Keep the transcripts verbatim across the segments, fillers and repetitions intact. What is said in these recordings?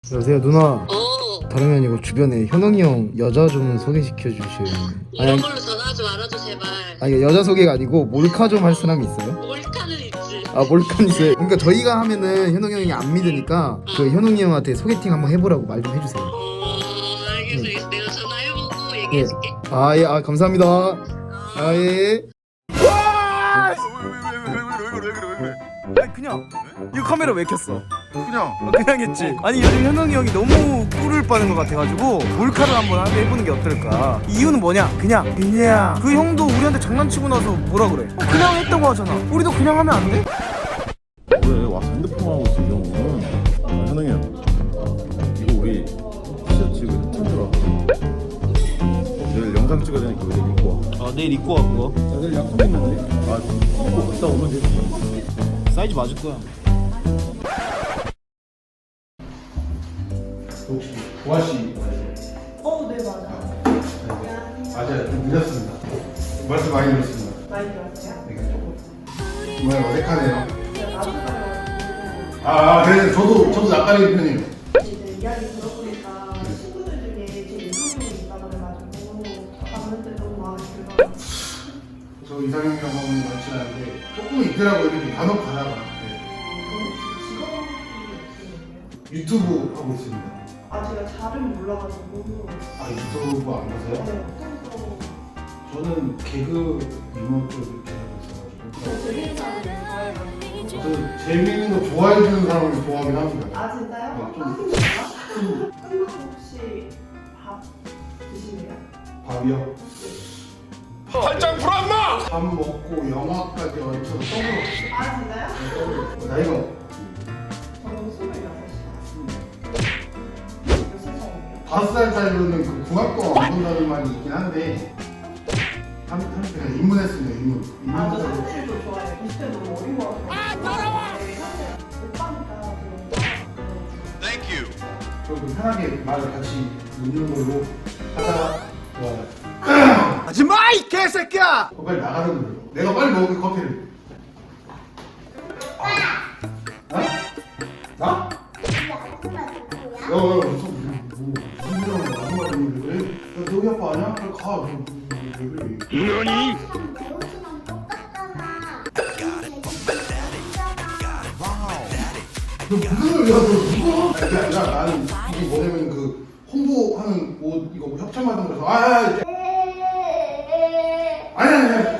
여보세요 누나. 어, 다름이 아니고 주변에 현웅이 형 여자 좀 소개시켜 주실. 이런 아니 걸로 전화하지 말아줘 제발. 아니 여자 소개가 아니고 몰카 좀 할 사람이 있어요? 몰카는 있지. 아 몰카 있어요. 그러니까 저희가 하면은 현웅이 형이 안 믿으니까 그 현웅이 형한테 소개팅 한번 해보라고 말 좀 해주세요. 어, 알겠어, 알겠어. 내가 전화해보고 예. 얘기해줄게. 아 예. 아 감사합니다. 아 예. 아니 그냥 이거 카메라 왜 켰어? 그냥 어, 그냥 했지. 아니 요즘 현웅이 형이 너무 꿀을 빠는 것 같아가지고 몰카를 한번 해보는 게 어떨까. 이유는 뭐냐? 그냥 그냥 그 형도 우리한테 장난치고 나서 뭐라 그래? 어, 그냥 했다고 하잖아. 우리도 그냥 하면 안 돼? 왜 와서 핸드폰 하고 있어 이 형은. 아, 현웅이 형 이거 우리 티셔츠 이거 협찬 들어왔거든. 내일 영상 찍어야 되니까 내일 입고 와. 아 내일 입고 와 그거. 야, 내일 약속 있는데? 아 입고 갔다 오면 되지. 사이즈 맞을 거야. 혹시 보아씨 어, 네, 맞아요. 맞아요. 좀 늦었습니다. 말씀 많이 들었습니다. 많이 들었어요? 네, 조금 정말 어색하네요. 제가 나중에 아, 아 그래 저도 저도 낯가리는 편이에요. 이제 이야기 들어보니까 친구들 중에 제 이상형이 있다고 그래가지고 봤는데 너무 마음에 들어요. 저 이상형 경험은 많지 않은데 조금 있더라고요. 이렇게 간혹 가다가 네. 그럼 직업이 어떻게 되세요? 유튜브 하고 있습니다. 아, 제가 잘은 몰라가지고. 아 유튜브 안 보세요? 네, 어떤 거. 저는 개그 유머 쪽 이렇게 하고 있어가지고 저 재밌는 사람을 좋아해가지고. 저 재밌는 거 좋아해주는 사람을 좋아하긴 합니다. 아, 진짜요? 네, 좀- 하신가요? 끝나고 혹시 밥 드시나요? 밥이요? 팔짱 불안마! 밥 먹고 영화까지 얹혀서 떡으로 먹었어요. 아, 진짜요? 떡으로. 나이가 저는 스물여섯 시. 몇 살 차이예요? 다섯 살 차이로는 그 중학교 안 본다는 말이 있긴 한데 삼, 삼십 대 입문했습니다. 입문. 아, 저 입문해서 삼십을 좀 좋아해요. 이십 대 너무 어린 거 같아요. 아, 더러워! 오빠니까 좀 저도 편하게 말을 같이 묻는 걸로 하다가 좋아요. 하지마 이 개새끼야! 어, 빨리 나가는 거예요. 내가 빨리 먹을 커피를. 아. 어? 나? 야, 야, 무슨 뭐 무슨 일하는 거야? 아무 말 없는데 왜? 야, 너희 아빠 아니야? 빨리 가. 너, 왜 그래? 너니? 너 무슨 소리야? 너 누가? 그게 아니라 나는 이게 뭐냐면 그 홍보하는 옷 이거 협찬 받은 거라서 아, 아, 아, 아니 아니 아니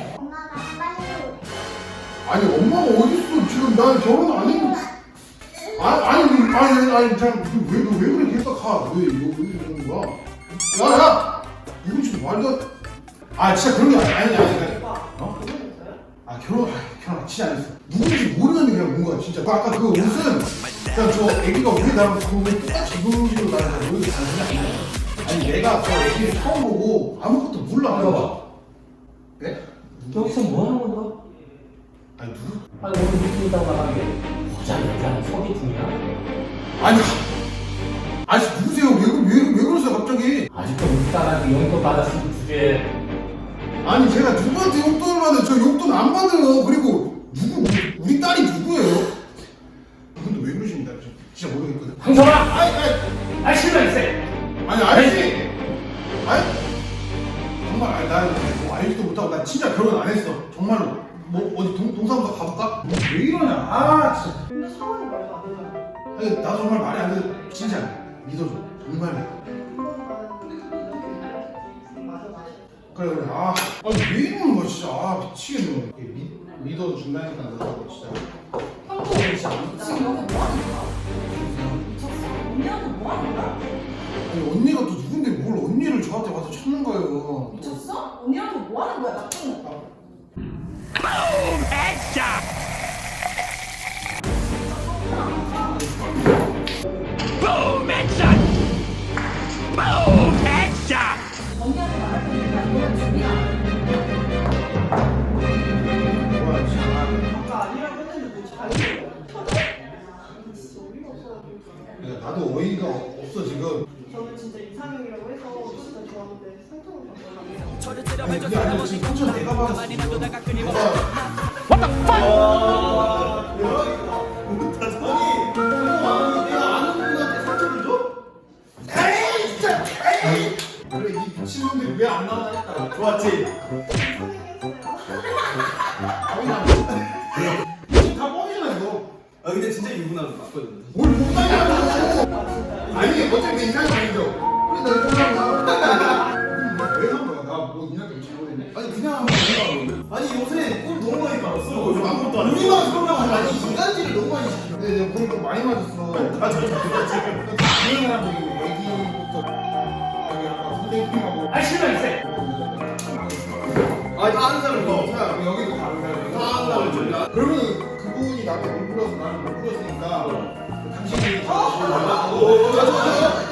아니 엄마가 어딨어 지금 난 결혼 안 했는데 아니 아니 아니 아니 잠왜너왜 그래 계속 가왜 이거 왜 이러는 거야? 야야 이거 지금 말도 아 진짜 그런 게 아니 아니 아니 아니 오빠, 어? 결혼했어요? 아 결혼 아, 결혼 진짜 안 했어. 누군지 모르는 그냥 뭔가 진짜. 그 아까 그 옷은 그냥 저 애기가 왜 나랑 그왜 똑같이 입은 식으로 나랑 모르게 단순히 아니야. 아니 내가 저 애기를 처음 보고 아무것도 몰라. 여봐. 네? 여기서 뭐 하는 건가? 아니 누구? 아니 오늘 미팅이라고 나간 게 화장이야 소개팅이야? 아니 아니 누구세요? 왜, 왜, 왜 그러세요 갑자기? 아직도 우리 딸한테 용돈 받았으면 주제. 아니 제가 누구한테 용돈을 받아요? 저 용돈 안 받아요. 그리고 누구 우리, 우리 딸이 누구예요? 근데 왜 그러십니까? 저 진짜 모르겠거든. 황성아! 아니 아니 아 실망했어. 아니 아니지. 아니 정말 아니 나는 뭐 알지도 못하고 나 진짜 결혼 안 했어. 정말로. 뭐 어디 동, 동사무소 가볼까? 왜 이러냐? 아 진짜. 근데 상황이 말도 안 되잖아요. 아니 나 정말 말이 안 돼. 진짜 믿어줘. 정말. 맞아, 맞아. 그래 그래. 아, 아니 왜 이러는 거야 진짜. 아 미치겠네. 미, 믿어준다니까 나도 진짜. 지금 여기 뭐 하는 거야? 미쳤어? 언니한테 뭐 하는 거야? 아니 언니가 또 누군데 뭘 언니를 저한테 와서 찾는 거예요. 미쳤어? 언니한테 뭐 하는 거야? 나쁜 거. 언니한테 말할 테니까 이거는 준비가 안 돼. 뭐야 진짜. 아까 아니라고 했는데 뭐 자기가 터져? 진짜 어이가 없어가지고. 그러니까 나도 어이가 없어 지금. 저는 진짜 이상형이라고 해서 진짜 좋았는데 상처를 받더라고요. 아니 그게 아니라 지금 삼촌 내가 받았어 지금. 내가 와. 대박이다. 아니 내가 아는 분한테 삼촌 신놈들이 왜 안 나오나 했다. 좋았지? 다 뻥이잖아 이거. 아 근데 진짜 유부남은 맞거든. 뭘 못하냐고. 아니 어차피 내 이상이 아니죠. 그래 나 이거 왜한 거야? 나뭐 니한테 잘못했네. 아니 그냥 한번 해봐. 아니 요새 꿀 너무 많이 빨았어. 아무것도 안 해. 우리만 그러면 아니 이간질을 너무 많이 시켜. 근데 내가 물을 좀 많이 맞았어. 아, 저, 저, 저, 지금. 다른 사람들이 애기부터 여기 아까 선생님하고. 아 실망 있어. 아니 다 아는 사람 어, 이거. 자, 여기도 다른 사람이. 다 아는 사람 줄. 그러면 그분이 나한테 못 불러서 나는 못 불렀으니까 당신이. 어, 어, 어, 어, 어, 어, 어, 어,